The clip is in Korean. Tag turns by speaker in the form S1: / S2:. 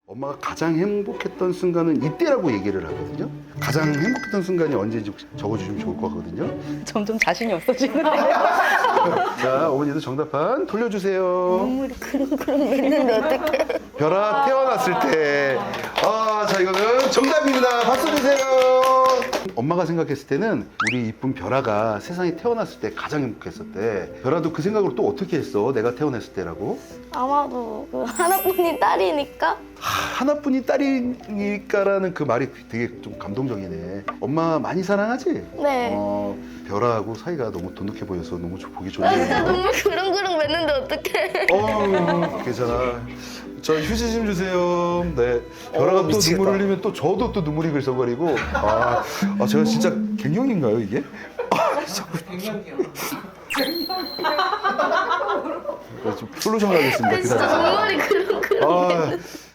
S1: 엄마가 가장 행복했던 순간은 이때라고 얘기를 하거든요. 가장 행복했던 순간이 언제인지 적어주시면 좋을 것 같거든요.
S2: 점점 자신이 없어지는데.
S1: 자, 어머니도 정답판 돌려주세요.
S2: 눈물이 그릉그릉 맺는데 어떡해.
S1: 별아 태어났을 때. 아, 자, 이거는 정답입니다. 박수 주세요. 엄마가 생각했을 때는 우리 이쁜 별아가 세상에 태어났을 때 가장 행복했었대. 별아도 그 생각으로 또 어떻게 했어? 내가 태어났을 때라고?
S3: 아마도 그 하나뿐인 딸이니까
S1: 하나뿐인 딸이니까라는 그 말이 되게 좀 감동적이네. 엄마 많이 사랑하지?
S3: 네.
S1: 별아하고 사이가 너무 돈독해 보여서 너무 보기
S3: 나 진짜
S1: 좋네요.
S3: 눈물 그릉그릉 맺는데 어떡해.
S1: 괜찮아. 저 휴지 좀 주세요. 네. 별아가 또
S4: 미치겠다.
S1: 눈물 흘리면 또 저도 또 눈물이 글썽거리고. 제가 진짜 갱년기인가요, 이게? 갱년기요. 좀 솔루션 하겠습니다.
S3: 진짜
S1: 기다려주세요.
S3: 눈물이 그릉그릉.
S1: 아,